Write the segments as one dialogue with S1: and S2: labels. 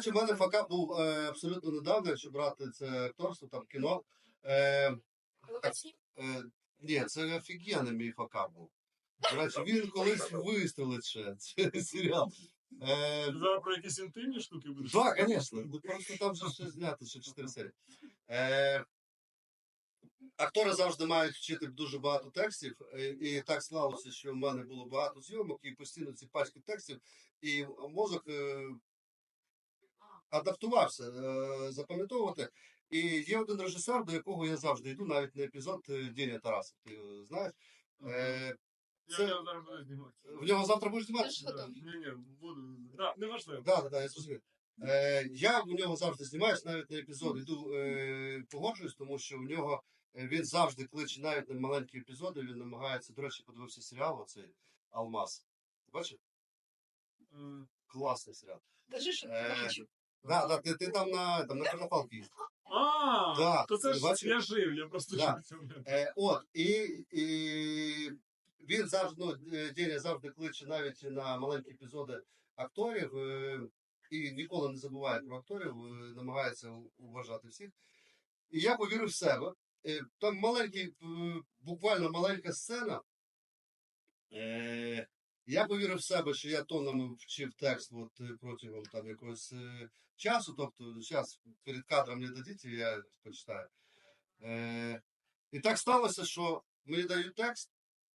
S1: речі, в мене факап був абсолютно недавно, якщо брати це акторство, там кіно. Е,
S2: Ловець.
S1: Ні, це офігенний мій факап був. До речі, він колись вистрелить ще, цей серіал.
S3: Зараз про якісь інтимні штуки будеш?
S1: Так, звісно. Просто там вже ще знято, ще 4 серії. Актори завжди мають вчити дуже багато текстів, і так склалося, що в мене було багато зйомок, і постійно ці пачки текстів, і мозок адаптувався запам'ятовувати. І є один режисер, до якого я завжди йду, навіть на епізод Деня Тарасов, ти його знаєш.
S3: Я зараз буду знімати.
S1: В нього завтра будеш знімати?
S3: Ні, буду. Так, не важливо.
S1: Так, я зрозумів. Я в нього завжди знімаюсь, навіть на епізод йду погоджуюсь, тому що в нього він завжди кличе навіть на маленькі епізоди, він намагається, до речі, подивився серіал оцей «Алмаз». Бачиш? Класний серіал.
S2: Кажи, що не бачу.
S1: Так, ти там на Карнапалки їздив.
S3: То це ж я жив, я просто жив.
S1: От, і він завжди, Деня завжди кличе навіть на маленькі епізоди акторів, і ніколи не забуває про акторів, намагається уважати всіх. І я повірив в себе. Там маленький, буквально маленька сцена. Я повірив в себе, що я тонами вчив текст протягом там якогось часу. Тобто, зараз перед кадром не дадіть, я почитаю. І так сталося, що мені дають текст.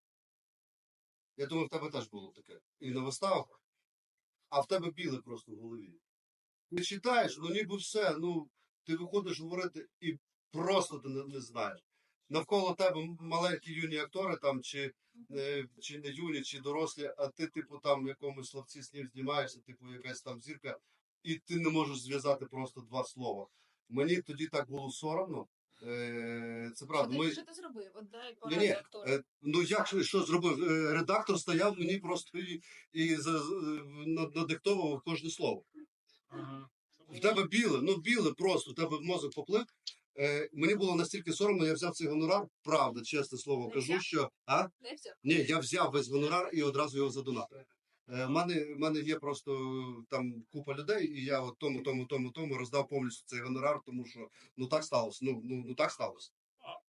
S1: Я думаю, в тебе теж було таке. І на виставах. А в тебе біле просто в голові. Ти читаєш, ніби все, ти виходиш говорити і просто ти не знаєш. Навколо тебе маленькі юні актори, там, чи не юні, чи дорослі, а ти, там, в якомусь словці з ним знімаєшся, якась там зірка, і ти не можеш зв'язати просто два слова. Мені тоді так було соромно. Це правда.
S2: Що ти зробив? Отдай поради актору.
S1: Що зробив? Редактор стояв мені просто і надиктовував кожне слово. В тебе біле просто, в тебе мозок поплив. Мені було настільки соромно, я взяв цей гонорар, правда, чесне слово кажу, що...
S2: Не взяв?
S1: Ні, я взяв весь гонорар і одразу його задонатив. В мене є просто там купа людей, і я от тому роздав повністю цей гонорар, тому що так сталося. Так сталося.